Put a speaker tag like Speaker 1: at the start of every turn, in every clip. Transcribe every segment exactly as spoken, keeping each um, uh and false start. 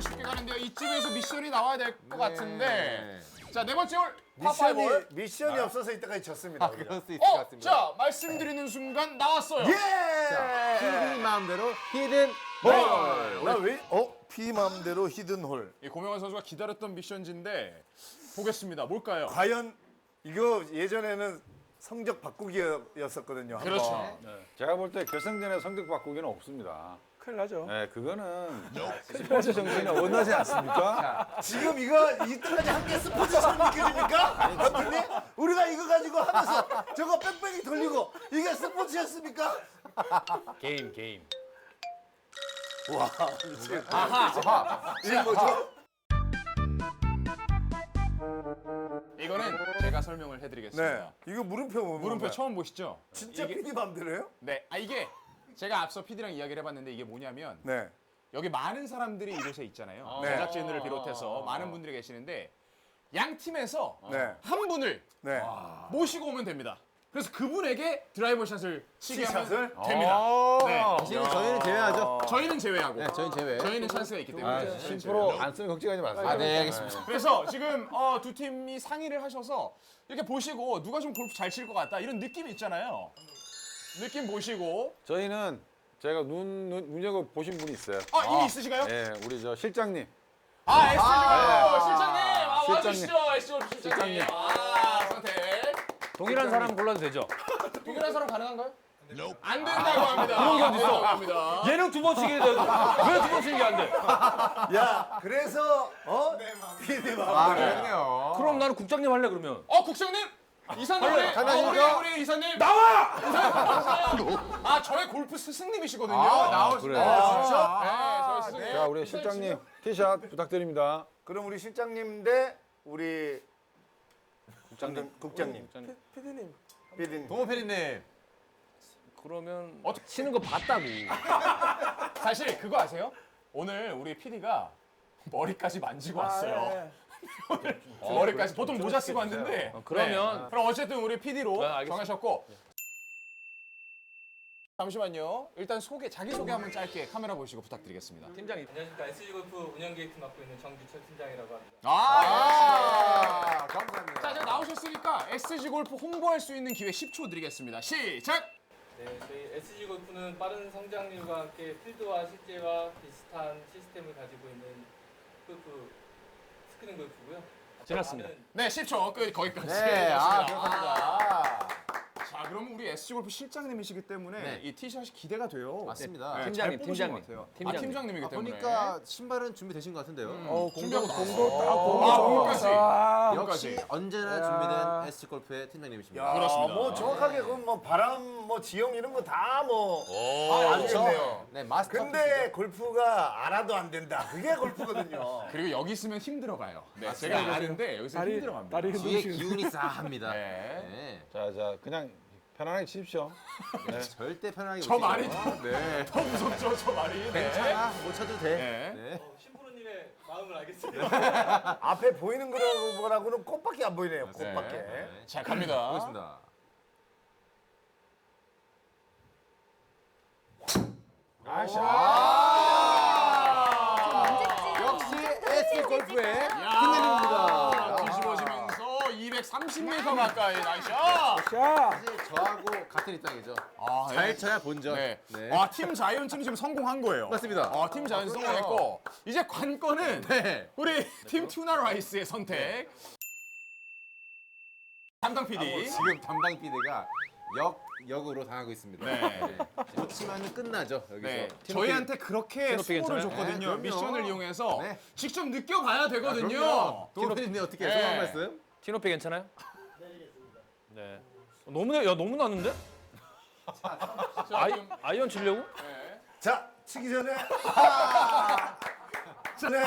Speaker 1: 쉽게 가는데요. 이쯤에서 미션이 나와야 될 것
Speaker 2: 네.
Speaker 1: 같은데. 자, 네 번째 홀
Speaker 3: 미션이
Speaker 1: 파파이볼.
Speaker 3: 미션이 없어서 이때까지 졌습니다. 우리가.
Speaker 2: 그럴 수 있을 것
Speaker 1: 어,
Speaker 2: 같습니다.
Speaker 1: 자, 말씀드리는 순간 나왔어요.
Speaker 3: 예!
Speaker 2: 피디 마음대로 히든
Speaker 3: 홀. 나왜 어? 피 맘대로 히든 홀.
Speaker 1: 이 고명환 선수가 기다렸던 미션지인데 보겠습니다. 뭘까요?
Speaker 3: 과연 이거 예전에는 성적 바꾸기였었거든요. 한번.
Speaker 1: 그렇죠.
Speaker 4: 제가 볼 때 결승전에 성적 바꾸기는 없습니다.
Speaker 5: 큰일 나죠.
Speaker 4: 네, 그거는 스포츠 정신이 어긋나지 않습니까?
Speaker 3: 지금 이거 이때까지 한 개 스포츠처럼 느껴집니까? 감독님? 우리가 이거 가지고 하면서 저거 뺑뺑이 돌리고 이게 스포츠였습니까?
Speaker 5: 게임 게임.
Speaker 3: 와, 미치겠다.
Speaker 1: 아하.
Speaker 3: 이게 뭐죠?
Speaker 1: 이거는 제가 설명을 해드리겠습니다.
Speaker 3: 네, 이거 물음표 뭐
Speaker 1: 물음표 처음 보시죠?
Speaker 3: 진짜
Speaker 1: 이게-
Speaker 3: 피디 맘대로요?
Speaker 1: 네, 아 이게 제가 앞서 피디랑 이야기를 해봤는데 이게 뭐냐면
Speaker 3: 네.
Speaker 1: 여기 많은 사람들이 이곳에 있잖아요.
Speaker 3: 네.
Speaker 1: 제작진들을 비롯해서 많은 분들이 계시는데 양 팀에서
Speaker 3: 네.
Speaker 1: 한 분을
Speaker 3: 네.
Speaker 1: 모시고 오면 됩니다. 그래서 그분에게 드라이버 샷을 치게 하면
Speaker 3: 샷을?
Speaker 1: 됩니다. 네.
Speaker 2: 사실은 저희는 제외하죠.
Speaker 1: 저희는 제외하고
Speaker 2: 네, 저희는 제외.
Speaker 1: 저희는 찬스가 있기 때문에.
Speaker 4: 아, 십 퍼센트 안 쓰면 걱정하지 마세요.
Speaker 2: 아, 네, 알겠습니다.
Speaker 1: 그래서 지금 어, 두 팀이 상의를 하셔서 이렇게 보시고 누가 좀 골프 잘 칠 것 같다 이런 느낌이 있잖아요. 느낌 보시고
Speaker 4: 저희는 제가 눈, 눈 눈여겨 보신 분이 있어요.
Speaker 1: 아 이미 있으신가요?
Speaker 4: 네, 우리 저 실장님.
Speaker 1: 아 에스지골프 실장님 아,
Speaker 4: 실장님.
Speaker 1: 와주시죠 에스지골프 실장님.
Speaker 4: 실장님.
Speaker 1: 아 선택.
Speaker 5: 동일한 사람 골라도 되죠?
Speaker 1: 동일한 사람 가능한가요? 안 된다고 합니다. 그런 게
Speaker 5: 어딨어?
Speaker 1: 합니다.
Speaker 5: 얘는 두 번 치게 돼. 왜 두 번 치는 게 안 돼?
Speaker 3: 야, 그래서 어? 피디
Speaker 2: 아,
Speaker 3: 맘대로.
Speaker 2: 그러네요.
Speaker 5: 그럼 나는 국장님 할래 그러면.
Speaker 1: 어 국장님 이사님 우리
Speaker 2: 가능하십니까?
Speaker 1: 어, 우리, 우리 이사님
Speaker 5: 나와!
Speaker 1: 아 저의 골프 스승님이시거든요.
Speaker 2: 아, 나오시네.
Speaker 4: 그래.
Speaker 3: 아, 진짜?
Speaker 1: 네, 저희 스승님.
Speaker 4: 자, 우리 실장님 티샷 부탁드립니다.
Speaker 3: 그럼 우리 실장님 대 우리 국장님, 국장님,
Speaker 5: 피디님.
Speaker 3: 피디님.
Speaker 2: 동호 피디님.
Speaker 5: 그러면
Speaker 1: 어떻게-
Speaker 5: 치는 거 봤다고.
Speaker 1: 사실 그거 아세요? 오늘 우리 피디가 머리까지 만지고 왔어요. 오늘 머리까지 보통 모자 쓰고 왔는데.
Speaker 5: 어, 그러면-
Speaker 1: 네. 그럼 어쨌든 우리 피디로
Speaker 5: 네, 알겠습니다.
Speaker 1: 정하셨고. 잠시만요. 일단 소개 자기 소개 한번 짧게 카메라 보시고 부탁드리겠습니다.
Speaker 5: 팀장이.
Speaker 6: 안녕하십니까 에스지골프 운영기획팀 맡고 있는 정규철 팀장이라고 합니다.
Speaker 1: 아,
Speaker 2: 아, 감사합니다.
Speaker 1: 자, 이제 나오셨으니까 에스지 골프 홍보할 수 있는 기회 십 초 드리겠습니다. 시작.
Speaker 6: 네, 저희 에스지골프는 빠른 성장률과 함께 필드와 실제와 비슷한 시스템을 가지고 있는 골프 스크린 골프고요.
Speaker 5: 지났습니다.
Speaker 6: 많은
Speaker 1: 네, 십 초 끝 거기까지.
Speaker 2: 네, 아,
Speaker 1: 좋습니다.
Speaker 2: 그렇습니다.
Speaker 1: 자, 그럼 우리 에스지 골프 실장님이시기 때문에
Speaker 2: 네.
Speaker 1: 이 티샷이 기대가 돼요.
Speaker 2: 맞습니다.
Speaker 1: 네,
Speaker 5: 팀장님,
Speaker 1: 잘 뽑으신 것
Speaker 5: 팀장님.
Speaker 1: 같아요.
Speaker 5: 팀장님.
Speaker 1: 아, 팀장님이기
Speaker 2: 아,
Speaker 1: 때문에.
Speaker 2: 보니까 신발은 준비되신 것 같은데요.
Speaker 1: 어, 준비하고
Speaker 2: 공도
Speaker 1: 나왔어.
Speaker 2: 딱 공도
Speaker 1: 아,
Speaker 2: 정확하게.
Speaker 1: 공까지.
Speaker 5: 아,
Speaker 2: 역시
Speaker 1: 공까지.
Speaker 2: 언제나 준비된 에스지 골프의 팀장님이십니다.
Speaker 3: 야,
Speaker 1: 그렇습니다.
Speaker 3: 뭐 정확하게 그럼 뭐 바람, 뭐 지형 이런 거 다 뭐
Speaker 1: 아,
Speaker 3: 알겠네요.
Speaker 2: 네, 마스터.
Speaker 3: 근데 골프가 알아도 안 된다. 그게 골프거든요.
Speaker 1: 그리고 여기 있으면 힘들어가요. 네, 제가 아는데 여기서
Speaker 5: 다리-
Speaker 1: 힘들어갑니다.
Speaker 5: 다리
Speaker 2: 뒤에 기운이 싸합니다.
Speaker 1: 네.
Speaker 2: 네.
Speaker 4: 자, 자, 그냥 편안하게 치십시오.
Speaker 2: 네. 절대 편하게
Speaker 1: 저
Speaker 2: 못
Speaker 1: 말이
Speaker 2: 치죠. 네.
Speaker 1: 더 무섭죠, 저 말이. 네.
Speaker 2: 괜찮아. 못 쳐도 돼.
Speaker 1: 네.
Speaker 2: 네.
Speaker 6: 어, 신프로님의 마음을 알겠습니다.
Speaker 3: 앞에 보이는 거라고는 꽃밖에 안 보이네요. 꽃밖에.
Speaker 1: 네. 자, 갑니다.
Speaker 2: 보겠습니다. 역시 에스지 골프의
Speaker 1: 야, 뒤집어지면서 이백삼십 미터 가까이 나이스.
Speaker 5: 자,
Speaker 2: 사실 저하고 같은 입장이죠.
Speaker 1: 아,
Speaker 2: 잘 쳐야 본전.
Speaker 1: 네.
Speaker 2: 네.
Speaker 1: 아, 팀 자이언츠는 지금 성공한 거예요.
Speaker 2: 맞습니다.
Speaker 1: 아, 팀 자이언츠 성공했고 이제 관건은
Speaker 2: 네.
Speaker 1: 우리 팀 투나 라이스의 선택. 담당 피디.
Speaker 2: 지금 담당 피디가 역 역으로 당하고 있습니다.
Speaker 1: 네.
Speaker 2: 놓치면 끝나죠 여기서.
Speaker 1: 네,
Speaker 5: 티노피-
Speaker 1: 저희한테 그렇게
Speaker 5: 티노피
Speaker 1: 수고를
Speaker 5: 괜찮아요?
Speaker 1: 줬거든요.
Speaker 2: 네, 그럼요.
Speaker 1: 미션을 이용해서
Speaker 2: 네.
Speaker 1: 직접 느껴봐야 되거든요.
Speaker 2: 동호 피디님 어떻게
Speaker 1: 네.
Speaker 2: 소감 말씀?
Speaker 5: 티노피 괜찮아요? 네. 너무 야 너무 났는데?
Speaker 1: 자,
Speaker 5: 아이
Speaker 1: 지금,
Speaker 5: 아이언 치려고?
Speaker 1: 네.
Speaker 3: 자, 치기 전에 전에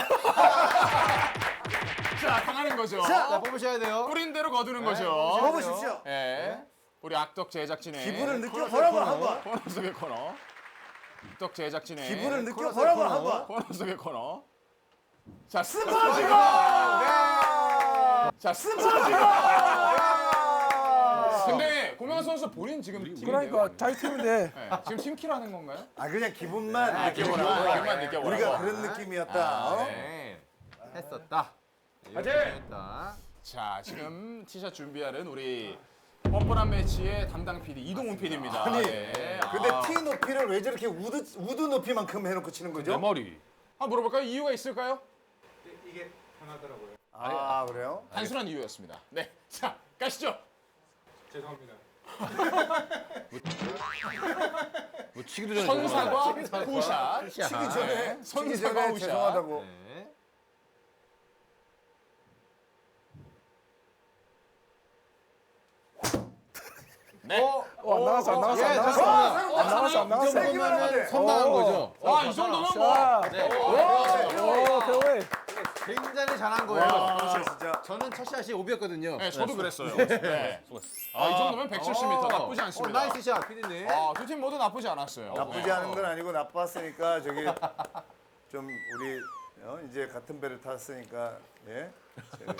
Speaker 1: 자, 당하는 거죠.
Speaker 2: 자 뽑으셔야 돼요.
Speaker 1: 뿌린 대로 거두는
Speaker 2: 네,
Speaker 1: 거죠.
Speaker 3: 먹으십시오.
Speaker 1: 네. 우리 악덕 제작진의
Speaker 3: 기분을 느껴보라고 한번.
Speaker 1: 코너 속의 코너. 악덕 제작진의
Speaker 3: 기분을
Speaker 2: 코너
Speaker 3: 느껴보라고
Speaker 2: 코너.
Speaker 3: 한번.
Speaker 1: 코너 속의 코너. 자,
Speaker 3: 스포츠가!
Speaker 1: 자, 스포츠가! 근데 고명환 선수 본인 지금 팀인데요.
Speaker 4: 그러니까 자기 팀인데
Speaker 1: 네, 지금 팀키라는 건가요?
Speaker 3: 아 그냥 기분만
Speaker 1: 아,
Speaker 3: 느껴보라.
Speaker 1: 기분만, 기분만 느껴보라고.
Speaker 3: 우리가 그런 느낌이었다. 어?
Speaker 2: 네. 했었다.
Speaker 1: 화이팅!
Speaker 2: 했다.
Speaker 1: 자, 지금 티샷 준비하는 우리 뻔뻔한 매치의 담당 피디 이동훈 피디입니다.
Speaker 3: 아니,
Speaker 1: 네.
Speaker 3: 근데
Speaker 1: 아,
Speaker 3: 티 높이를 왜 저렇게 우드 우드 높이만큼 해놓고 치는
Speaker 5: 내
Speaker 3: 거죠?
Speaker 5: 머리.
Speaker 1: 한번 물어볼까요? 이유가 있을까요?
Speaker 2: 이게 편하더라고요.
Speaker 3: 아 그래요?
Speaker 1: 단순한 이유였습니다. 네, 자 가시죠.
Speaker 6: 죄송합니다.
Speaker 5: 뭐 치기도 전에
Speaker 1: 선사과 후샷.
Speaker 3: 치기 전에 치기
Speaker 1: 선사과
Speaker 3: 전에
Speaker 1: 후샷.
Speaker 3: 죄송하다고.
Speaker 2: 네.
Speaker 1: 네.
Speaker 3: 어?
Speaker 4: 어, 안 나갔어 안 나갔어 안
Speaker 2: 예,
Speaker 4: 나갔어
Speaker 2: 잠깐만.
Speaker 4: 안 나갔어 안
Speaker 2: 이
Speaker 4: 나갔어.
Speaker 3: 세기만 하면 돼.
Speaker 2: 정도면 선방한 거죠.
Speaker 1: 와, 이 정도면 뭐.
Speaker 4: 자,
Speaker 2: 네.
Speaker 4: 오 페어웨이.
Speaker 2: 굉장히 잘한 거예요.
Speaker 3: 아 진짜.
Speaker 2: 저는 첫 샷이 오비였거든요.
Speaker 1: 네, 저도 그랬어요. 네. 아, 이 정도면 백칠십 미터 나쁘지
Speaker 2: 어,
Speaker 1: 않습니다.
Speaker 2: 나이스 샷, 피디님.
Speaker 1: 아, 두 팀 모두 나쁘지 않았어요.
Speaker 3: 나쁘지
Speaker 1: 네.
Speaker 3: 않은 건 아니고 나빴으니까 저기 좀 우리 어, 이제 같은 배를 탔으니까 예. 저기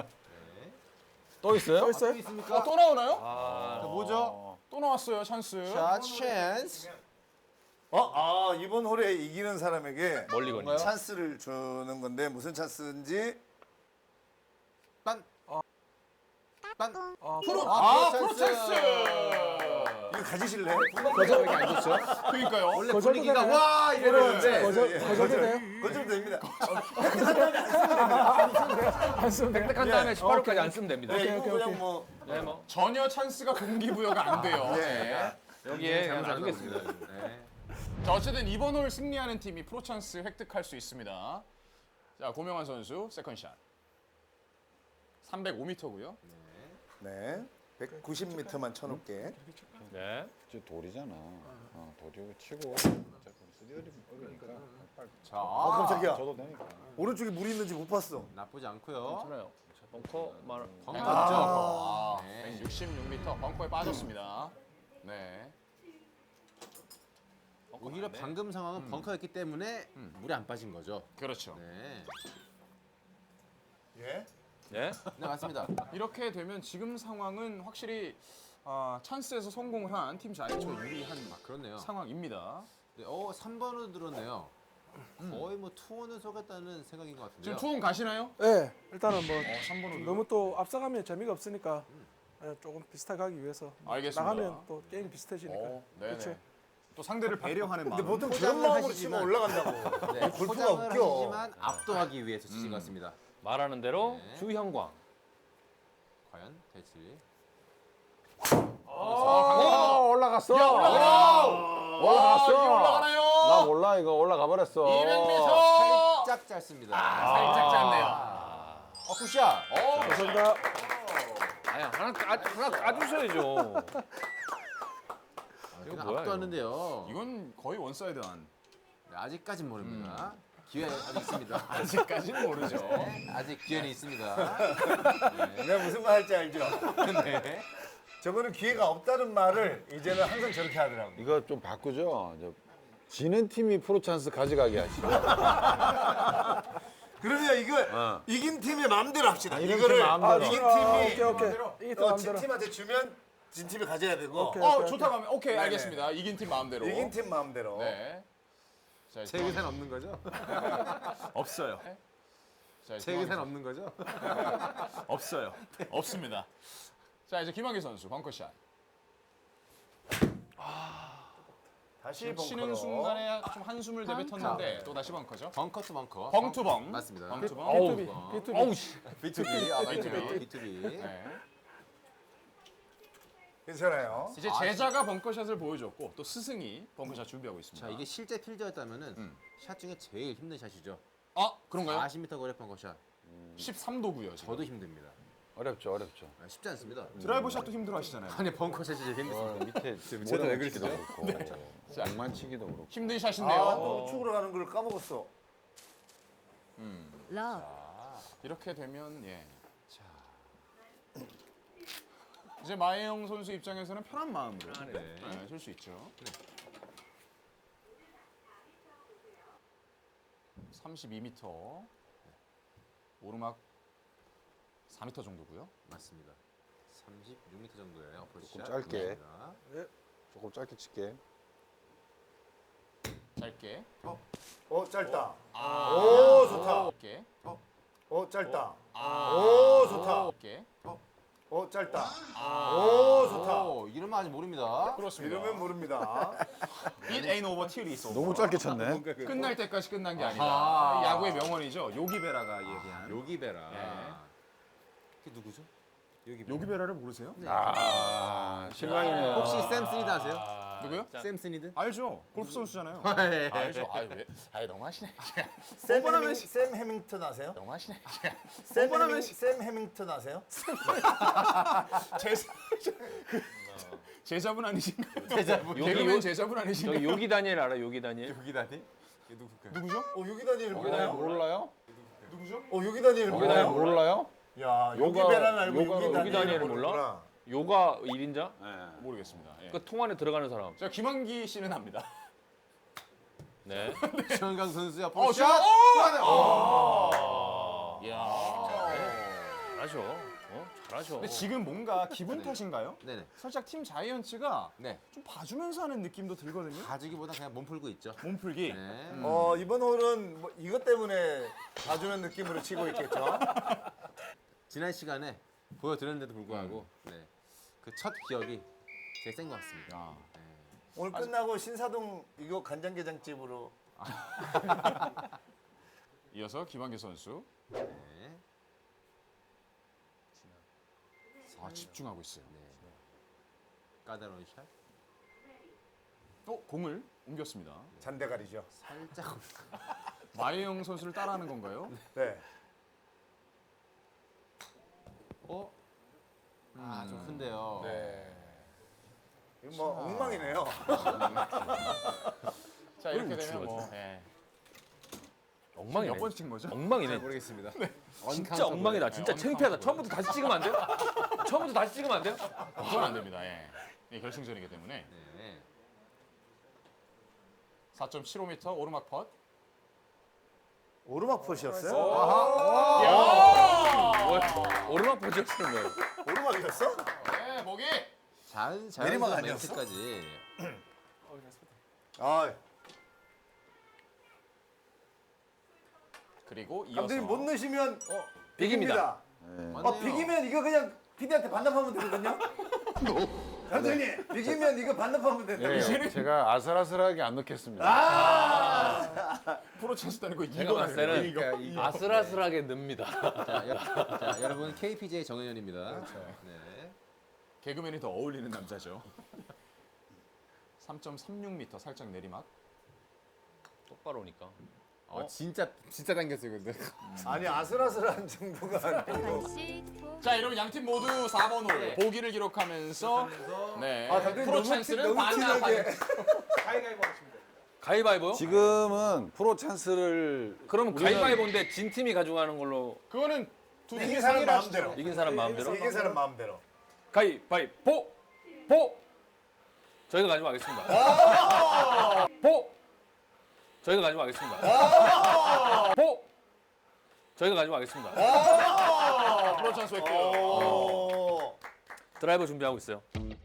Speaker 5: 또 있어요?
Speaker 4: 또 있어요?
Speaker 2: 있습니까?
Speaker 1: 어, 또 나오나요?
Speaker 2: 자, 뭐죠?
Speaker 1: 또 나왔어요, 찬스.
Speaker 2: 샷 찬스.
Speaker 3: 어, 아 이번 홀에 이기는 사람에게
Speaker 5: 멀리 거니.
Speaker 3: 찬스를 주는 건데 무슨 찬스인지
Speaker 2: 딴. 딴.
Speaker 4: 아,
Speaker 1: 프로,
Speaker 2: 아,
Speaker 1: 아, 프로
Speaker 2: 찬스.
Speaker 1: 찬스.
Speaker 3: 이거 가지실래?
Speaker 2: 거절 왜 안 좋죠?
Speaker 1: 그러니까요.
Speaker 2: 원래
Speaker 4: 거절도
Speaker 2: 분위기가
Speaker 4: 되나요?
Speaker 2: 와 이러는데
Speaker 4: 거절
Speaker 3: 예,
Speaker 4: 거절도 돼요?
Speaker 3: 거절 됩니다.
Speaker 4: 안 쓰면 돼요?
Speaker 5: 획득한 다음에 십팔 호까지 안 쓰면 됩니다.
Speaker 3: 네, 이거
Speaker 4: 오케이,
Speaker 3: 그냥
Speaker 4: 오케이.
Speaker 3: 뭐
Speaker 5: 네, 뭐
Speaker 1: 전혀 찬스가 동기부여가 안 돼요.
Speaker 3: 네.
Speaker 1: 네.
Speaker 5: 여기에 그냥 놔두겠습니다.
Speaker 2: 네.
Speaker 1: 자, 어쨌든 이번 홀 승리하는 팀이 프로 찬스 획득할 수 있습니다. 자, 고명환 선수 세컨샷. 삼백오 미터고요.
Speaker 3: 네. 백구십 미터만 쳐놓게.
Speaker 5: 네.
Speaker 7: 저 돌이잖아. 어, 돌이 치고 쓰디어리 먹으니까
Speaker 1: 자,
Speaker 3: 어 깜짝이야.
Speaker 7: 저도 되니까.
Speaker 3: 오른쪽에 물이 있는지 못 봤어.
Speaker 2: 나쁘지 않고요.
Speaker 5: 괜찮아요. 자, 벙커 말.
Speaker 2: 벙커
Speaker 1: 아,
Speaker 2: 있죠? 네.
Speaker 1: 백육십육 미터 벙커에 빠졌습니다. 네.
Speaker 2: 오히려 방금 상황은 벙커였기 때문에 물이 안 빠진 거죠.
Speaker 1: 그렇죠.
Speaker 2: 네.
Speaker 3: 예?
Speaker 5: 네.
Speaker 2: 네, 맞습니다.
Speaker 1: 이렇게 되면 지금 상황은 확실히 아, 찬스에서 성공을 한 팀 자이처 유리한
Speaker 2: 아, 그렇네요.
Speaker 1: 상황입니다.
Speaker 2: 네, 어, 삼 번으로 들었네요. 거의 뭐 투원을 속였다는 생각인 것 같은데요.
Speaker 1: 지금 투혼 가시나요?
Speaker 4: 네, 일단은 뭐
Speaker 1: 어, 삼 번으로.
Speaker 4: 너무 또 앞서가면 재미가 없으니까 예, 조금 비슷하게 가기 위해서
Speaker 1: 알겠습니다.
Speaker 4: 나가면 또 게임 비슷해지니까.
Speaker 1: 어, 네네.
Speaker 4: 그렇죠.
Speaker 1: 또 상대를 배려하는
Speaker 3: 근데
Speaker 1: 마음.
Speaker 3: 보통
Speaker 2: 포장을
Speaker 3: 저런 마음으로
Speaker 2: 하시지만-
Speaker 3: 치면 올라간다고.
Speaker 2: 네,
Speaker 3: 골프가
Speaker 2: 포장을
Speaker 3: 웃겨.
Speaker 2: 하시지만 압도하기 위해서 치신 것 같습니다.
Speaker 5: 말하는 대로
Speaker 2: 네.
Speaker 5: 주형광.
Speaker 2: 과연 될지.
Speaker 7: 어, 올라갔어.
Speaker 1: 와,
Speaker 7: 올라갔어.
Speaker 1: 이게 올라가나요?
Speaker 7: 나 몰라 이거 올라가 버렸어.
Speaker 1: 이백 미터.
Speaker 2: 살짝 짧습니다.
Speaker 1: 아, 살짝 짧네요.
Speaker 2: 어, 굿샷.
Speaker 1: 어,
Speaker 4: 감사합니다.
Speaker 5: 아니 하나 까, 하나 까주셔야죠.
Speaker 2: 이거
Speaker 5: 뭐야,
Speaker 2: 압도하는데요.
Speaker 1: 이건 거의 원사이드한.
Speaker 2: 네, 아직까진 모릅니다. 기회 아직 있습니다.
Speaker 1: 아직까지는 모르죠.
Speaker 2: 네, 아직 기회는 있습니다.
Speaker 3: 내가 무슨 말 할지 알죠?
Speaker 2: 네.
Speaker 3: 저거는 기회가 없다는 말을 이제는 항상 저렇게 하더라고.
Speaker 7: 이거 좀 바꾸죠. 저, 지는 팀이 프로 찬스 가져가게 하시죠.
Speaker 3: 그러면 이거
Speaker 7: 어.
Speaker 3: 이긴 팀의 마음대로 합시다.
Speaker 7: 이긴
Speaker 3: 이거를
Speaker 7: 팀 마음대로.
Speaker 3: 이긴
Speaker 4: 아,
Speaker 3: 팀이
Speaker 4: 오케이 오케이. 이게 또
Speaker 3: 어, 진
Speaker 4: 마음대로.
Speaker 3: 팀한테 주면 진 팀이 가져야 되고
Speaker 4: 오케이.
Speaker 1: 어, 좋다고 하면 오케이,
Speaker 3: 네네.
Speaker 1: 알겠습니다. 이긴 팀 마음대로.
Speaker 3: 이긴 팀 마음대로.
Speaker 1: 네. 자,
Speaker 2: 제 의사는 없는 거죠?
Speaker 1: 없어요. 자,
Speaker 2: 제 의사는 없는 거죠?
Speaker 1: 없어요. 없습니다. 자, 이제 김학의 선수 벙커샷.
Speaker 3: 다시
Speaker 1: 지금 치는
Speaker 3: 벙커로.
Speaker 1: 순간에 좀 한숨을 내뱉었는데 또 다시 벙커죠.
Speaker 2: 벙커 투 벙커.
Speaker 1: 벙투벙.
Speaker 2: 맞습니다.
Speaker 1: 벙투벙.
Speaker 5: 어우.
Speaker 4: 비투비. 비투비.
Speaker 5: 어우 씨.
Speaker 2: 비투비. 아,
Speaker 1: 비투비.
Speaker 2: 맞네요. 비투비.
Speaker 1: 네.
Speaker 3: 괜찮아요.
Speaker 1: 이제 제자가 벙커샷을 보여줬고 또 스승이 벙커샷 준비하고 있습니다.
Speaker 2: 자, 이게 실제 필드였다면은
Speaker 1: 음.
Speaker 2: 샷 중에 제일 힘든 샷이죠.
Speaker 1: 아, 그런가요?
Speaker 2: 사십 미터 거리 벙커샷.
Speaker 1: 십삼 도고요. 지금.
Speaker 2: 저도 힘듭니다.
Speaker 7: 어렵죠, 어렵죠.
Speaker 2: 아, 쉽지 않습니다.
Speaker 1: 드라이버 샷도 힘들어 하시잖아요.
Speaker 2: 아니 벙커샷이 제일 힘듭니다.
Speaker 7: 어, 밑에
Speaker 2: 저도 왜 그러시죠?
Speaker 7: 그렇고 공만 치기도 그렇고.
Speaker 1: 힘든
Speaker 3: 아,
Speaker 1: 샷인데요.
Speaker 3: 또 우측으로 가는 걸 까먹었어.
Speaker 8: 러브
Speaker 1: 이렇게 되면 예. 자. 이제 마혜영 선수 입장에서는 편한 마음으로
Speaker 2: 네.
Speaker 1: 네, 칠 수 있죠. 삼십이 미터. 오르막 사 미터 정도고요.
Speaker 2: 맞습니다. 삼십육 미터 정도의 어프로치
Speaker 7: 조금
Speaker 2: 샷.
Speaker 7: 짧게.
Speaker 2: 감사합니다.
Speaker 7: 조금 짧게 칠게.
Speaker 1: 짧게.
Speaker 3: 어 짧다.
Speaker 1: 아.
Speaker 3: 오 좋다.
Speaker 1: 짧게.
Speaker 3: 어 짧다.
Speaker 1: 아.
Speaker 3: 오 좋다.
Speaker 1: 짧게.
Speaker 3: 어 짧다.
Speaker 1: 아.
Speaker 3: 오 좋다.
Speaker 2: 오, 이러면 아직 모릅니다.
Speaker 1: 그렇습니다.
Speaker 3: 이러면 모릅니다.
Speaker 1: It ain't over till it's over.
Speaker 7: 너무 짧게 쳤네.
Speaker 1: 끝날 때까지 끝난 게 아니다.
Speaker 2: 아하.
Speaker 1: 야구의 명언이죠. 요기베라가 얘기한.
Speaker 2: 요기베라.
Speaker 1: 네.
Speaker 2: 그게 누구죠? 요기베라.
Speaker 1: 요기베라를 모르세요?
Speaker 7: 아, 실망이네요.
Speaker 2: 혹시 샘 스니드 아세요?
Speaker 1: 누구요?
Speaker 2: 샘 스니드?
Speaker 1: 알죠. 골프 선수잖아요.
Speaker 2: 네.
Speaker 1: 알죠. 아 왜? 아 너무 하시네.
Speaker 3: 샘,
Speaker 1: 뻔뻔하면
Speaker 3: 해밍,
Speaker 1: 시-
Speaker 3: 샘 해밍턴 아세요?
Speaker 1: 너무 하시네.
Speaker 3: 샘,
Speaker 1: 뻔뻔하면
Speaker 3: 해밍,
Speaker 1: 시-
Speaker 3: 샘 해밍턴 아세요?
Speaker 1: 제자 그 제자분 아니신가요?
Speaker 2: 제자분.
Speaker 1: 개그맨
Speaker 5: 요-
Speaker 1: 제자분
Speaker 5: 저기
Speaker 1: 아니신가요?
Speaker 5: 요기 다니엘 알아? 요기 다니엘?
Speaker 2: 요기다니? 이게 누굴까요?
Speaker 1: 누구죠?
Speaker 3: 어 여기 다니엘
Speaker 7: 어,
Speaker 3: 몰라요?
Speaker 7: 몰라요?
Speaker 1: 누구죠?
Speaker 3: 어 여기 다니엘
Speaker 7: 몰라요?
Speaker 3: 몰라요?
Speaker 7: 몰라요?
Speaker 3: 야
Speaker 7: 요가-
Speaker 3: 여기 베라는 알고
Speaker 7: 요가-
Speaker 3: 여기
Speaker 7: 요기
Speaker 3: 다니엘을
Speaker 5: 다니엘을
Speaker 3: 모르는구나.
Speaker 5: 요가 일 인자?
Speaker 1: 모르겠습니다. 예.
Speaker 5: 그 통 안에 들어가는 사람.
Speaker 1: 제가 김한기 씨는 압니다.
Speaker 5: 네.
Speaker 2: 최원강 선수의
Speaker 1: 어,
Speaker 2: 어프로치
Speaker 1: 저-
Speaker 2: 샷!
Speaker 1: 어!
Speaker 5: 이야. 잘하셔. 어? 잘하셔.
Speaker 1: 근데 지금 뭔가 기분 탓인가요?
Speaker 2: 네네.
Speaker 1: 살짝 팀 자이언츠가
Speaker 2: 네.
Speaker 1: 좀 봐주면서 하는 느낌도 들거든요.
Speaker 2: 가지기보다 그냥 몸 풀고 있죠.
Speaker 1: 몸풀기.
Speaker 2: 네.
Speaker 3: 어 이번 홀은 뭐 이것 때문에 봐주는 느낌으로 치고 있겠죠.
Speaker 2: 지난 시간에 보여드렸는데도 불구하고 네. 그 첫 기억이 제일 센 것 같습니다.
Speaker 1: 아.
Speaker 2: 네.
Speaker 3: 오늘 끝나고 신사동 이거 간장게장집으로
Speaker 1: 이어서 김한기 선수.
Speaker 2: 네.
Speaker 1: 아, 집중하고 있어요.
Speaker 2: 네. 까다로운 샷.
Speaker 1: 어, 공을 옮겼습니다.
Speaker 3: 잔대가리죠.
Speaker 2: 살짝.
Speaker 1: 마혜영 선수를 따라하는 건가요?
Speaker 3: 네.
Speaker 2: 어? 아, 좀 큰데요.
Speaker 1: 네.
Speaker 3: 이거 뭐 엉망이네요.
Speaker 1: 자, 이렇게 되면 뭐 예.
Speaker 5: 엉망이네.
Speaker 1: 몇 번 찍은 거죠?
Speaker 5: 엉망이네.
Speaker 2: 모르겠습니다.
Speaker 5: 진짜 엉망이다. 진짜
Speaker 1: 네,
Speaker 5: 창피하다. 처음부터 다시 찍으면 안 돼요? 처음부터 다시 찍으면 안 돼요?
Speaker 1: 그건 안 됩니다. 예. 예, 결승전이기 때문에
Speaker 2: 네.
Speaker 1: 사 점 칠오 미터 오르막 펫.
Speaker 3: 오르막 펫이었어요?
Speaker 5: 뭐야? 오르막 보셨으는 거예요.
Speaker 3: 오르막이었어?
Speaker 1: 네, 보기.
Speaker 2: 자연
Speaker 3: 내리막
Speaker 2: 자연스러운
Speaker 3: 아니었어?
Speaker 2: 멘트까지.
Speaker 3: 아
Speaker 1: 그리고 이어서
Speaker 3: 감독님 못 넣으시면
Speaker 5: 비깁니다.
Speaker 3: 비깁니다. 아 비기면 이거 그냥 피디한테 반납하면 되거든요. 감독님 비기면 이거 반납하면 된다.
Speaker 7: 예, 제가 아슬아슬하게 안 넣겠습니다.
Speaker 1: 프로 찬스 따는 거
Speaker 5: 제가
Speaker 1: 이거
Speaker 5: 봤을 때는
Speaker 2: 그러니까 이-
Speaker 5: 아슬아슬하게 늡니다.
Speaker 2: 자, 여, 자, 여러분 케이피제이 정현현입니다. 네.
Speaker 1: 개그맨이 더 어울리는 남자죠. 삼 점 삼육 미터 살짝 내리막.
Speaker 5: 똑바로 오니까.
Speaker 2: 어, 진짜 진짜 당겼어요, 근데.
Speaker 3: 아니 아슬아슬한 정도가 아니고.
Speaker 1: 자, 이러면 양팀 모두 사 번 홀 보기를 기록하면서 네.
Speaker 3: 아 감독님
Speaker 1: 프로
Speaker 3: 너무 티,
Speaker 1: 찬스는
Speaker 3: 너무
Speaker 1: 반납.
Speaker 3: 티나게.
Speaker 5: 가위바위보요?
Speaker 7: 지금은 프로 찬스를
Speaker 5: 그럼
Speaker 7: 우리는-
Speaker 5: 가위바위보인데 진 팀이 가져가는 걸로
Speaker 1: 그거는 두
Speaker 3: 이긴
Speaker 1: 팀이
Speaker 3: 사람
Speaker 1: 상의를 하시죠.
Speaker 3: 마음대로.
Speaker 5: 이긴 사람 마음대로?
Speaker 3: 이긴 사람 마음대로.
Speaker 5: 가위바위보! 보! 저희가 가지고 가겠습니다. 보! 저희가 가지고 가겠습니다. 보! 저희가 가지고 가겠습니다.
Speaker 1: 프로 찬스 획득.
Speaker 3: 오.
Speaker 5: 드라이버 준비하고 있어요.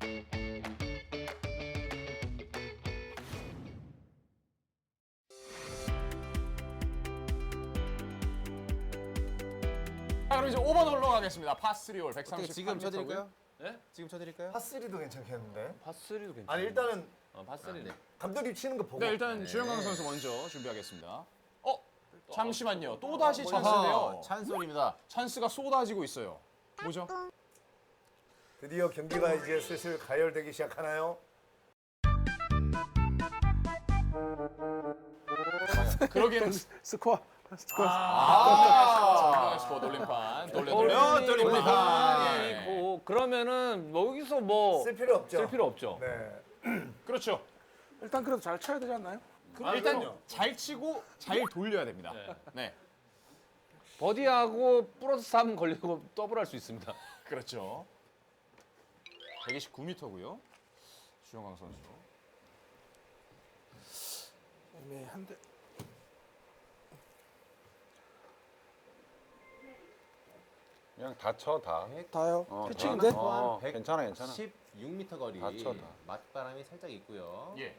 Speaker 1: 자, 그럼 이제 오 번 홀로 가겠습니다. 파쓰리 홀
Speaker 2: 어떻게
Speaker 1: 백삼십팔
Speaker 2: 지금
Speaker 1: 미터고요.
Speaker 2: 쳐드릴까요?
Speaker 5: 네?
Speaker 2: 지금 쳐드릴까요?
Speaker 3: 파쓰리도 괜찮겠는데.
Speaker 5: 파스리도 괜찮아요.
Speaker 3: 아니 일단은
Speaker 5: 어, 파스리.
Speaker 2: 네.
Speaker 3: 감독님 치는 거 보고.
Speaker 1: 네, 일단
Speaker 2: 네.
Speaker 1: 주영강 선수 먼저 준비하겠습니다. 어? 잠시만요. 또 다시
Speaker 2: 아하,
Speaker 1: 찬스인데요.
Speaker 2: 찬스홀입니다.
Speaker 1: 찬스가 쏟아지고 있어요. 뭐죠?
Speaker 3: 드디어 경기가 이제 슬슬 가열되기 시작하나요?
Speaker 1: 그러기에는
Speaker 4: 스코어.
Speaker 1: 아, 스포 돌림판 돌려 돌려 돌림판. 예.
Speaker 5: 아니고 그러면은 뭐 여기서 뭐
Speaker 3: 쓸 필요 없죠.
Speaker 5: 쓸 필요 없죠.
Speaker 3: 네.
Speaker 1: 그렇죠.
Speaker 4: 일단 그래도 잘 쳐야 되지 않나요?
Speaker 1: 아, 일단 잘 치고 잘 돌려야 됩니다. 네,
Speaker 5: 버디하고 플러스 삼 걸리고 더블할 수 있습니다.
Speaker 1: 그렇죠. 백이십구 미터고요. 주영강 선수.
Speaker 4: 애매한데.
Speaker 7: 그냥 다쳐 다.
Speaker 4: 다요.
Speaker 7: 어,
Speaker 4: 피칭인데?
Speaker 7: 다. 어, 괜찮아 괜찮아.
Speaker 2: 십육 미터 거리.
Speaker 7: 다쳐, 다.
Speaker 2: 맞바람이 살짝 있고요.
Speaker 1: 예.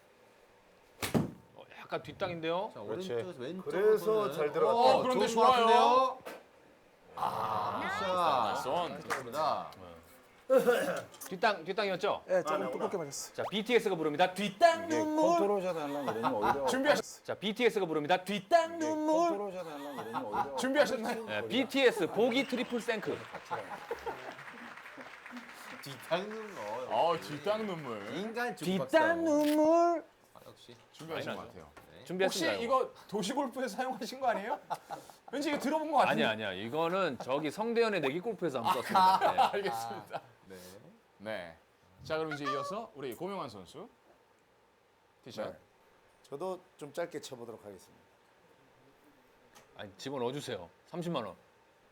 Speaker 5: 어, 약간 뒷땅인데요.
Speaker 2: 자,
Speaker 7: 그렇지.
Speaker 2: 오른쪽에서 왼쪽으로
Speaker 3: 그래서
Speaker 2: 보는-
Speaker 3: 잘 들어갔다.
Speaker 2: 어,
Speaker 1: 그런데
Speaker 2: 좋은
Speaker 1: 좋아요.
Speaker 2: 것 같은데요? 아,
Speaker 1: 선.
Speaker 2: 좋습니다.
Speaker 5: 뒷땅 뒷땅이었죠.
Speaker 4: 예, 조금 두껍게 맞았어.
Speaker 5: 자 비티에스가 부릅니다. 뒷땅
Speaker 7: 이게
Speaker 5: 눈물.
Speaker 7: 컨트롤샷 하려면 그러니 오히려.
Speaker 1: 준비하셨
Speaker 5: 자 비티에스가 부릅니다. 뒷땅
Speaker 7: 이게
Speaker 5: 눈물.
Speaker 7: 컨트롤샷 하려면 그러니 오히려.
Speaker 1: 준비하셨나요?
Speaker 5: 네, 비티에스 보기 트리플 생크.
Speaker 2: 뒷땅는 거.
Speaker 1: 어, 뒷땅 눈물.
Speaker 2: 인간
Speaker 5: 뒷땅 눈물.
Speaker 2: 아, 역시.
Speaker 1: 준비하신 것
Speaker 5: 많이
Speaker 1: 같아요. 혹시
Speaker 5: 준비했습니다.
Speaker 1: 이거 도시 골프에서 사용하신 거 아니에요? 왠지 이거 들어본 것 같은데.
Speaker 5: 아니야 아니야. 이거는 저기 성대현의 내기 골프에서 한번 썼습니다. 네.
Speaker 1: 알겠습니다.
Speaker 2: 네.
Speaker 1: 네. 자, 그럼 이제 이어서 우리 고명환 선수 티샷.
Speaker 3: 네. 저도 좀 짧게 쳐보도록 하겠습니다.
Speaker 5: 아니 집어넣어 주세요. 삼십만 원.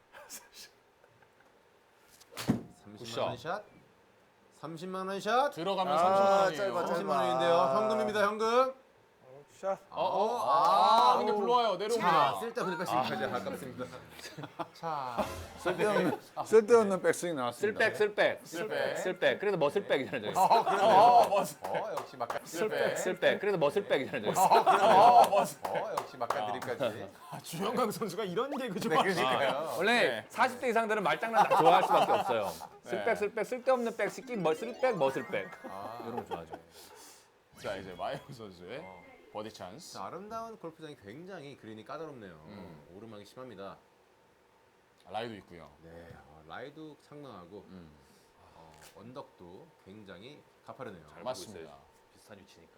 Speaker 2: 삼십만 원 샷. 삼십만 원 샷.
Speaker 1: 들어가면
Speaker 3: 아,
Speaker 1: 삼십만 원이에요.
Speaker 3: 짧아, 짧아.
Speaker 2: 삼십만 원인데요. 현금입니다, 현금.
Speaker 4: 샷.
Speaker 1: 어, 어, 아, 근데 불러와요.
Speaker 2: 자,
Speaker 1: 내려옵니다.
Speaker 2: 쓸데없는 패싱까지 아깝습니다. 자,
Speaker 7: 쓸데없는 쓸데없는 백스윙 나왔습니다.
Speaker 5: 쓸백 쓸백
Speaker 1: 쓸백.
Speaker 5: 쓸백. 그래서 머슬백이잖아요. 저기.
Speaker 1: 어, 맞아.
Speaker 2: 어, 역시 막간
Speaker 1: 쓸백.
Speaker 5: 쓸백. 그래서 머슬백이잖아요. 저기.
Speaker 1: 어, 맞아.
Speaker 2: 어, 역시 막간 드립까지.
Speaker 1: 아, 주영강 선수가 이런 개그
Speaker 2: 네,
Speaker 1: 좋아하시네.
Speaker 2: 그러니까요.
Speaker 5: 원래
Speaker 1: 네.
Speaker 5: 사십 대 이상들은 말장난 다 좋아할 수밖에 없어요.
Speaker 1: 네.
Speaker 5: 쓸백 쓸백 쓸데없는 백 시끼 뭐 쓸백 머슬백
Speaker 2: 아,
Speaker 5: 이런 거 좋아하죠.
Speaker 1: 자, 이제 마영 선수의 버디 찬스.
Speaker 2: 자, 아름다운 골프장이 굉장히 그린이 까다롭네요. 오르막이 심합니다.
Speaker 1: 라이도 있고요.
Speaker 2: 네, 어, 라이도 상당하고
Speaker 1: 음.
Speaker 2: 어, 언덕도 굉장히 가파르네요.
Speaker 5: 잘
Speaker 1: 맞습니다.
Speaker 5: 비슷한 위치니까.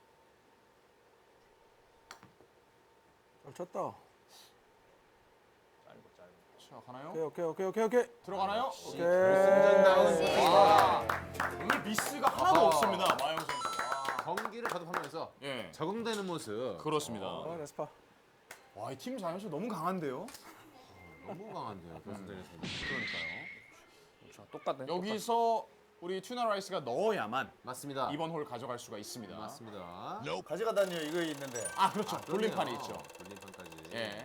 Speaker 4: 잘 쳤다.
Speaker 5: 짧고 짧고.
Speaker 1: 자, 가나요?
Speaker 4: 오케이, 오케이, 오케이, 오케이, 오케이.
Speaker 1: 들어가나요?
Speaker 4: 오케이.
Speaker 1: 와, 오늘 미스가 하나도
Speaker 2: 아하.
Speaker 1: 없습니다. 마영 선수. 와.
Speaker 2: 경기를 거듭하면서
Speaker 1: 예.
Speaker 2: 적응되는 모습.
Speaker 1: 그렇습니다.
Speaker 4: 아, 레스파.
Speaker 1: 와, 이 팀 자연수 너무 강한데요?
Speaker 2: 너무 강한데요, 결승전에서.
Speaker 1: 그러니까요.
Speaker 5: 그렇죠. 똑같네.
Speaker 1: 여기서 우리 튜나 라이스가 넣어야만
Speaker 2: 맞습니다.
Speaker 1: 이번 홀 가져갈 수가 있습니다.
Speaker 2: 맞습니다.
Speaker 3: 가져가다니요 이거 있는데.
Speaker 1: 아, 그렇죠. 돌림판이
Speaker 2: 그러네요.
Speaker 1: 있죠.
Speaker 2: 돌림판까지.
Speaker 1: 예.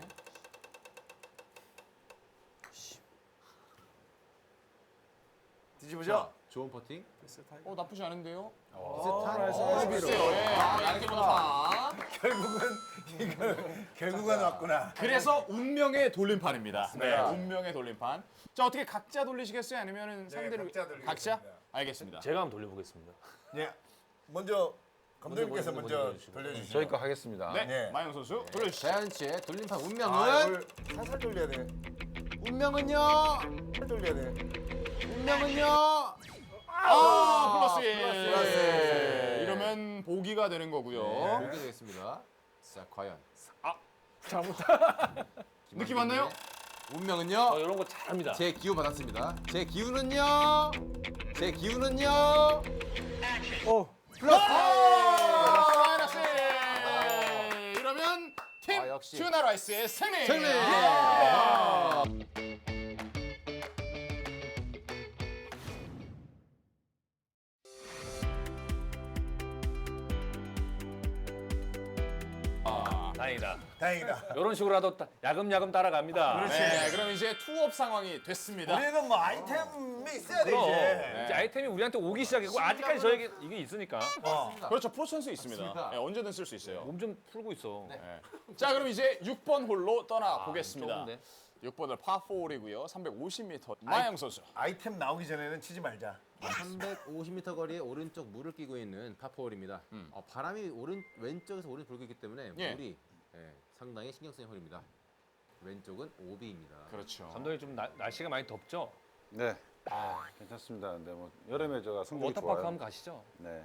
Speaker 3: 뒤집으죠?
Speaker 2: 자, 좋은 퍼팅.
Speaker 1: 어, 나쁘지 않은데요?
Speaker 2: 비슷한
Speaker 4: 나이스,
Speaker 1: 어,
Speaker 4: 나이스.
Speaker 1: 글쎄요. 예. 아, 얇게 보다.
Speaker 3: 결국은 이거 결국은 왔구나.
Speaker 1: 그래서 운명의 돌림판입니다. 네,
Speaker 3: 맞습니다.
Speaker 1: 운명의 돌림판. 자, 어떻게 각자 돌리시겠어요? 아니면은 상대를
Speaker 3: 각자 돌리겠습니다.
Speaker 1: 각자? 알겠습니다.
Speaker 5: 제가 한번 돌려보겠습니다.
Speaker 3: 예. 먼저 감독님께서
Speaker 5: 먼저,
Speaker 3: 먼저,
Speaker 5: 먼저 돌려주시고.
Speaker 3: 돌려주시죠.
Speaker 7: 저희 거 하겠습니다.
Speaker 1: 네,
Speaker 3: 네.
Speaker 1: 마영 선수 돌려주시죠.
Speaker 2: 자연 씨의 돌림판 운명은
Speaker 3: 아, 이걸 살살 돌려야 돼.
Speaker 2: 운명은요.
Speaker 3: 살살 돌려야 돼.
Speaker 2: 운명은요.
Speaker 1: 아, 플러스 일.
Speaker 3: 플러스 일.
Speaker 1: 이러면 보기가 되는 거고요.
Speaker 2: 네, 보게 되겠습니다. 자, 과연
Speaker 1: 느낌 왔나요?
Speaker 2: 운명은요.
Speaker 5: 저 이런 거 잘합니다.
Speaker 2: 제 기운 받았습니다. 제 기운은요. 제 기운은요.
Speaker 4: 오,
Speaker 1: 아, 마이너스 일. 이러면 팀
Speaker 2: 아, 역시.
Speaker 1: 튜나 라이스의 승리.
Speaker 2: 승리.
Speaker 1: 아.
Speaker 5: 다행이다.
Speaker 3: 다행이다.
Speaker 5: 이런 식으로라도 따- 야금야금 따라갑니다.
Speaker 1: 네, 그럼 이제 투업 상황이 됐습니다.
Speaker 3: 우리는 뭐 아이템이 있어야 돼
Speaker 5: 그럼
Speaker 3: 이제.
Speaker 5: 이제 아이템이 우리한테 오기 시작했고 아직까지 저에게 이게 있으니까
Speaker 3: 어.
Speaker 1: 그렇죠, 프로 찬스 있습니다.
Speaker 2: 맞습니다.
Speaker 1: 네, 언제든 쓸 수 있어요.
Speaker 5: 몸 좀 풀고 있어.
Speaker 1: 네. 자, 그럼 이제 육 번 홀로 떠나
Speaker 5: 아,
Speaker 1: 보겠습니다.
Speaker 5: 좁은데?
Speaker 1: 육 번은 파사이고요. 삼백오십 미터. 마영 선수.
Speaker 3: 아이템 나오기 전에는 치지 말자.
Speaker 2: 삼백오십 미터 거리에 오른쪽 물을 끼고 있는 파포홀입니다. 어, 바람이 오른 왼쪽에서 오른쪽 불고 있기 때문에
Speaker 1: 음. 예.
Speaker 2: 물이 예, 상당히 신경 쓰이는 홀입니다. 왼쪽은 오비입니다.
Speaker 1: 그렇죠.
Speaker 5: 감독님 좀 나- 날씨가 많이 덥죠?
Speaker 7: 네. 아, 괜찮습니다. 근데 뭐 여름에 제가 성적이
Speaker 5: 워터파크
Speaker 7: 좋아요.
Speaker 5: 한번 가시죠.
Speaker 7: 네.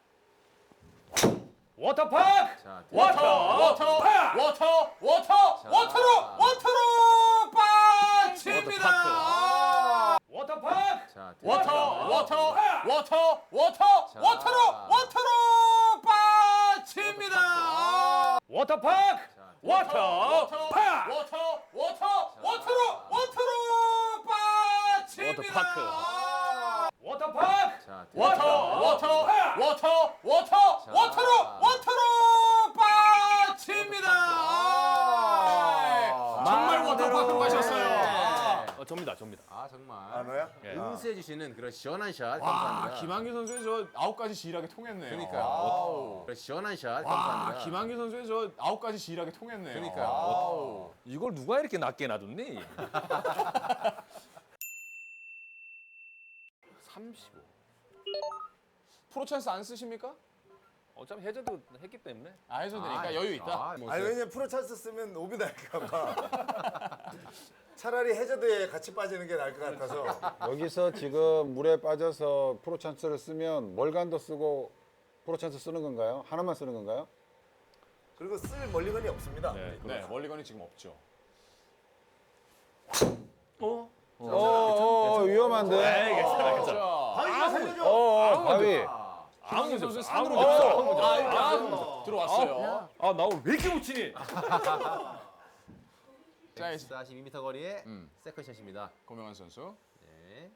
Speaker 5: 워터파크!
Speaker 2: 자,
Speaker 1: 워터, 워터, 워터, 워터,
Speaker 2: 자.
Speaker 1: 워터로, 워터로 빠집니다.
Speaker 5: 워터파크!
Speaker 2: 자,
Speaker 1: 워터, 워터, 워터, 워터,
Speaker 2: 자.
Speaker 1: 워터로, 워터로 빠집니다.
Speaker 5: 워터파크!
Speaker 2: 자,
Speaker 5: 워터! 파!
Speaker 1: 워터, 워터, 워터로, 워터로 빠집니다.
Speaker 5: 워터파크. 워터파크!
Speaker 2: 자,
Speaker 1: 워터, 워터, 워터, 워터,
Speaker 2: 자.
Speaker 1: 워터로, 워터로 빠집니다. 정말 워터파크 가셨어요.
Speaker 5: 어, 접니다, 접니다.
Speaker 2: 아 정말
Speaker 3: 안 와요?
Speaker 5: 예.
Speaker 2: 응수해 주시는 그런 시원한 샷
Speaker 1: 와,
Speaker 2: 감사합니다.
Speaker 1: 김한규 선수의 저 아홉 가지 지일하게 통했네요.
Speaker 2: 그러니까요.
Speaker 1: 와우.
Speaker 2: 그런 시원한 샷
Speaker 1: 와,
Speaker 2: 감사합니다.
Speaker 1: 김한규 선수의 저 아홉 가지 지일하게 통했네요.
Speaker 2: 그러니까요.
Speaker 1: 와우.
Speaker 5: 이걸 누가 이렇게 낮게 놔뒀니? 삼십오.
Speaker 1: 프로 찬스 안 쓰십니까?
Speaker 5: 어차피 해저도 했기 때문에.
Speaker 1: 아, 해서 되니까
Speaker 2: 아,
Speaker 1: 여유 있다.
Speaker 2: 아, 뭐
Speaker 3: 아니 왜냐면 프로 찬스 쓰면 오비 날까 봐. 차라리 해저드에 같이 빠지는 게 나을 것 같아서.
Speaker 7: 여기서 지금 물에 빠져서 프로 찬스를 쓰면 멀간도 쓰고 프로 찬스 쓰는 건가요? 하나만 쓰는 건가요?
Speaker 3: 그리고 쓸 멀리건이 없습니다.
Speaker 5: 네.
Speaker 1: 네, 멀리건이 지금 없죠.
Speaker 5: 어?
Speaker 7: 어, 어, 위험한데.
Speaker 5: 네, 괜찮아, 괜찮아.
Speaker 1: 자,
Speaker 3: 바위가 살려줘.
Speaker 7: 어, 어, 바위.
Speaker 1: 김한규 선수
Speaker 5: 아무
Speaker 1: 산으로
Speaker 5: 문제 없어,
Speaker 1: 들어왔어요.
Speaker 5: 아무 문제 없어.
Speaker 1: 아, 아, 들어왔어요.
Speaker 5: 아, 나 오늘 왜 이렇게 못 치니?
Speaker 1: 자, 이제
Speaker 2: 백사십이 미터 거리의
Speaker 1: 음.
Speaker 2: 세컨샷입니다.
Speaker 1: 고명환 선수.
Speaker 2: 네.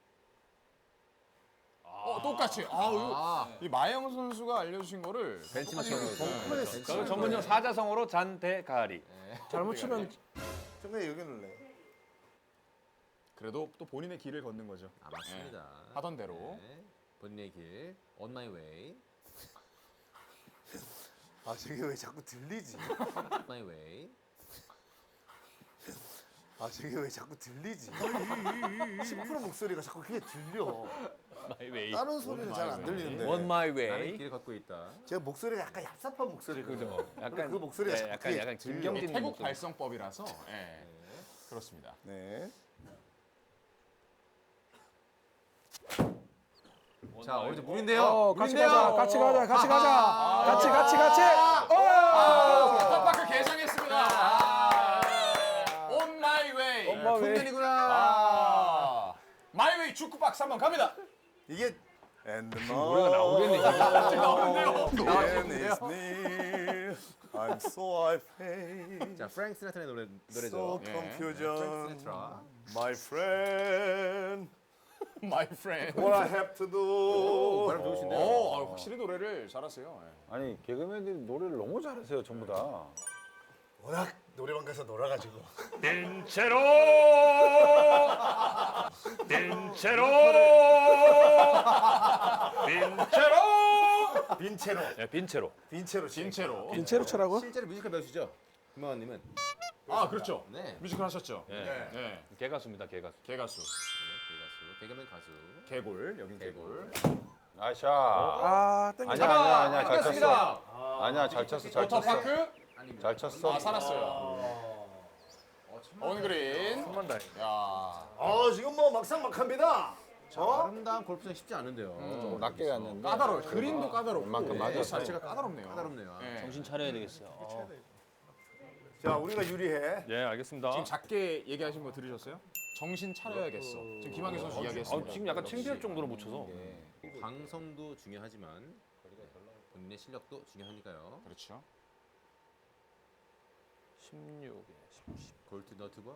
Speaker 1: 어, 똑같이. 아, 이거
Speaker 2: 아,
Speaker 1: 이 마영 선수가 알려주신 거를
Speaker 2: 벤치마킹으로.
Speaker 5: 저는 전문용 사자성어로 잔대가리.
Speaker 3: 잘못 치면 정말 여기 눌래.
Speaker 1: 그래도 또 본인의 길을 걷는 거죠.
Speaker 2: 아 맞습니다.
Speaker 1: 네. 하던 대로.
Speaker 2: 네. 본인의 길, on my way,
Speaker 3: 아 저게 왜 자꾸 들리지?
Speaker 2: on my way.
Speaker 3: 아 저게 왜 자꾸 들리지? 십 퍼센트 목소리가 자꾸 그게 들려.
Speaker 5: My way.
Speaker 3: 다른 소리는 잘 안 들리는데.
Speaker 5: On my
Speaker 2: 나는
Speaker 5: way.
Speaker 2: 길을 걷고 있다.
Speaker 3: 제가 목소리가 약간 얍삽한 목소리거든요.
Speaker 5: 그죠. 약간
Speaker 3: 그 목소리가
Speaker 5: 네,
Speaker 3: 자꾸
Speaker 5: 약간
Speaker 3: 그게
Speaker 5: 약간
Speaker 3: 들려.
Speaker 5: 김경진
Speaker 1: 태국
Speaker 5: 목소리.
Speaker 1: 발성법이라서. 예. 그렇습니다.
Speaker 3: 네.
Speaker 2: 자, 오늘 좀 물인데요.
Speaker 4: 어, 같이
Speaker 2: 물인데요.
Speaker 4: 가자, 같이 가자, 같이 가자. 같이, 같이, 같이.
Speaker 1: 깜빡 개장했습니다. 아, On my way.
Speaker 4: On my way.
Speaker 2: 풍년이구나.
Speaker 1: 아, my way 축구 박스 한번 갑니다.
Speaker 3: 이게 And the
Speaker 5: 노래가 나오겠네. 지금.
Speaker 1: 갑자기 나오는데요.
Speaker 3: man is near. I'm so afraid.
Speaker 2: 자, 프랭크 시나트라의 노래
Speaker 3: So
Speaker 2: 노래죠.
Speaker 1: 예.
Speaker 2: 프랭크
Speaker 3: confusion.
Speaker 2: 시나트라.
Speaker 3: My friend.
Speaker 1: My friend.
Speaker 3: What I have to do.
Speaker 2: 발음 좋으신데요.
Speaker 1: 오, 아, 확실히 노래를 잘하세요. 예.
Speaker 7: 아니, 개그맨들이 노래를 너무 잘하세요, 전부 다.
Speaker 3: 워낙 노래방 가서 놀아가지고.
Speaker 5: 빈체로. 빈체로. 빈체로.
Speaker 3: 빈체로.
Speaker 5: 네, 빈체로.
Speaker 3: 빈체로.
Speaker 1: 진채로.
Speaker 4: 인체로 쳐라고?
Speaker 2: 실제로 뮤지컬 배우시죠? 김만원님은.
Speaker 1: 아, 그렇죠.
Speaker 2: 네.
Speaker 1: 뮤지컬 하셨죠?
Speaker 5: 네.
Speaker 1: 네.
Speaker 5: 개가수입니다, 개가수.
Speaker 1: 개가수.
Speaker 2: 개가수, 개그맨 가수.
Speaker 1: 개골. 여긴 개골.
Speaker 7: 아샤.
Speaker 4: 아, 땡겨.
Speaker 7: 아니야, 아니야, 아니야, 잘
Speaker 2: 끝났습니다.
Speaker 7: 쳤어. 아니야, 잘 쳤어, 잘 쳤어.
Speaker 1: 워터파크.
Speaker 7: 잘 쳤어.
Speaker 1: 아, 살았어요. 온그린.
Speaker 5: 천만 다행.
Speaker 1: 야.
Speaker 3: 어 지금 뭐 막상막합니다. 어?
Speaker 2: 아름다운 골프장 쉽지 않은데요.
Speaker 7: 좀 낮게 갔는데.
Speaker 1: 까다로워. 그림도 까다롭고.
Speaker 7: 웬만큼
Speaker 1: 코스
Speaker 7: 맞았어요.
Speaker 1: 자체가 까다롭네요.
Speaker 2: 까다롭네요.
Speaker 1: 네.
Speaker 8: 정신 차려야 되겠어요.
Speaker 3: 자 우리가 유리해.
Speaker 5: 네, 알겠습니다.
Speaker 1: 지금 작게 얘기하신 거 들으셨어요? 정신 차려야겠어. 지금 김한규 선수
Speaker 5: 아,
Speaker 1: 이야기했습니다.
Speaker 5: 지금 약간 창피할 정도로 못 쳐서.
Speaker 2: 방송도 중요하지만 본인의 실력도 중요하니까요.
Speaker 1: 그렇죠.
Speaker 5: 십육에 십,
Speaker 2: 골트 너트버.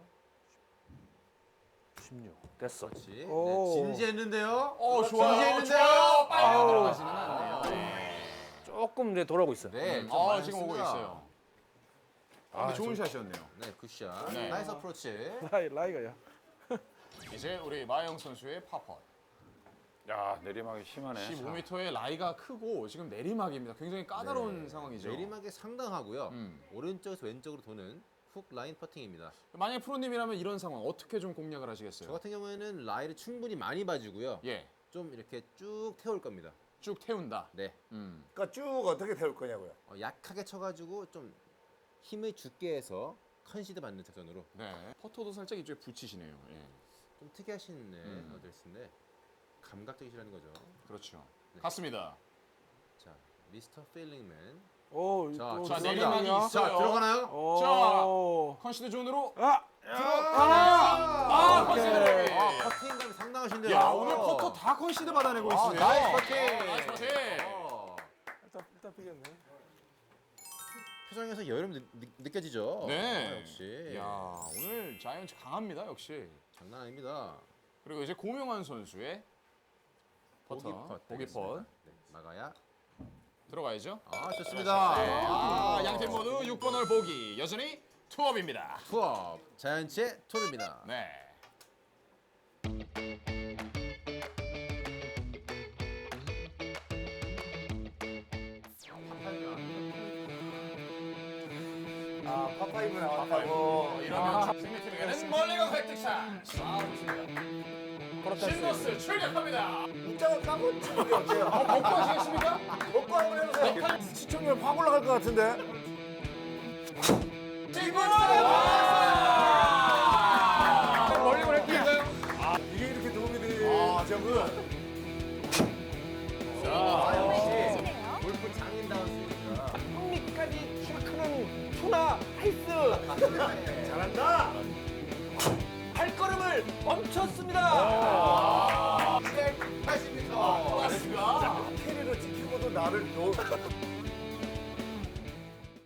Speaker 5: 십육. 됐어.
Speaker 2: 그렇지.
Speaker 4: 오.
Speaker 2: 네, 진지했는데요.
Speaker 1: 어, 좋아요.
Speaker 2: 진지했는데요.
Speaker 1: 좋아요. 빨리 들어가지는 않네요. 네.
Speaker 5: 조금 이제 돌아오고 있어요.
Speaker 2: 네,
Speaker 1: 음,
Speaker 2: 좀
Speaker 1: 아,
Speaker 2: 많이
Speaker 1: 지금 오고
Speaker 2: 했습니다.
Speaker 1: 있어요. 아, 근데 좋은 샷이었네요.
Speaker 2: 네, 굿샷.
Speaker 1: 네.
Speaker 2: 나이스 어프로치.
Speaker 4: 라이, 라이가야.
Speaker 1: 이제 우리 마영 선수의 파펫.
Speaker 7: 야, 내리막이 심하네.
Speaker 1: 십오 미터의 라이가 크고 지금 내리막입니다. 굉장히 까다로운
Speaker 2: 네.
Speaker 1: 상황이죠.
Speaker 2: 내리막이 상당하고요.
Speaker 1: 음.
Speaker 2: 오른쪽에서 왼쪽으로 도는 훅 라인 퍼팅입니다.
Speaker 1: 만약 프로님이라면 이런 상황 어떻게 좀 공략을 하시겠어요?
Speaker 2: 저 같은 경우에는 라이를 충분히 많이 봐주고요.
Speaker 1: 예,
Speaker 2: 좀 이렇게 쭉 태울 겁니다.
Speaker 1: 쭉 태운다.
Speaker 2: 네,
Speaker 1: 음.
Speaker 3: 그러니까 쭉 어떻게 태울 거냐고요.
Speaker 2: 어, 약하게 쳐가지고 좀 힘을 죽게 해서 컨시드 받는 작전으로
Speaker 1: 네. 퍼터도 살짝 이쪽에 붙이시네요. 예,
Speaker 2: 좀 특이하신 네,
Speaker 1: 음.
Speaker 2: 어드레스인데 감각적이시라는 거죠.
Speaker 1: 그렇죠.
Speaker 2: 네.
Speaker 1: 갔습니다.
Speaker 2: 자, 미스터 필링맨.
Speaker 4: 오,
Speaker 2: 자,
Speaker 4: 또
Speaker 1: 자,
Speaker 4: 들어간다.
Speaker 1: 내리막이 있어요.
Speaker 2: 자, 들어가나요?
Speaker 4: 오.
Speaker 1: 컨시드 존으로
Speaker 4: 아,
Speaker 1: 들어가나요? 아, 컨시드.
Speaker 2: 아, 퍼팅감이 상당하신데요.
Speaker 1: 야, 오늘 퍼터 다 컨시드 받아내고
Speaker 2: 아,
Speaker 1: 있어요.
Speaker 2: 나이스 퍼팅.
Speaker 1: 나이스 퍼팅.
Speaker 2: 어,
Speaker 4: 일단, 일단 피겠네.
Speaker 2: 표정에서 여름 느, 느, 느껴지죠.
Speaker 1: 네.
Speaker 2: 아, 역시.
Speaker 1: 야, 오늘 자이언츠 강합니다. 역시.
Speaker 2: 장난 아닙니다.
Speaker 1: 그리고 이제 고명환 선수의 퍼터, 보기 퍼
Speaker 2: 네, 막아야.
Speaker 1: 들어가야죠.
Speaker 2: 아, 좋습니다.
Speaker 1: 네. 아, 양팀 모두 육 번 홀 보기 여전히 투업입니다.
Speaker 2: 투업 자이언츠의 투업입니다.
Speaker 1: 네.
Speaker 3: 아 파파이브 나왔다고.
Speaker 1: 어, 이러면 승리팀에게는 멀리건 획득샷. 아, 좋습니다. 신노스 출격합니다.
Speaker 3: 입장을 까고 치는 게 어때요?
Speaker 1: 먹고 하시겠습니까?
Speaker 3: 먹고 한번 해보세요. 시청률 확 올라갈 것 같은데.
Speaker 1: 멀리건 획득인가요?
Speaker 3: 이게 이렇게 도움이 돼요. 아, 저분.
Speaker 2: 골프 장인다운 스윙이다.
Speaker 4: 흥미까지 키가 크는 투나 하이스
Speaker 3: 잘한다.
Speaker 4: 발걸음을 멈췄습니다.
Speaker 1: 팔십 미터.
Speaker 3: 캐리로 지키고도 나를 놓.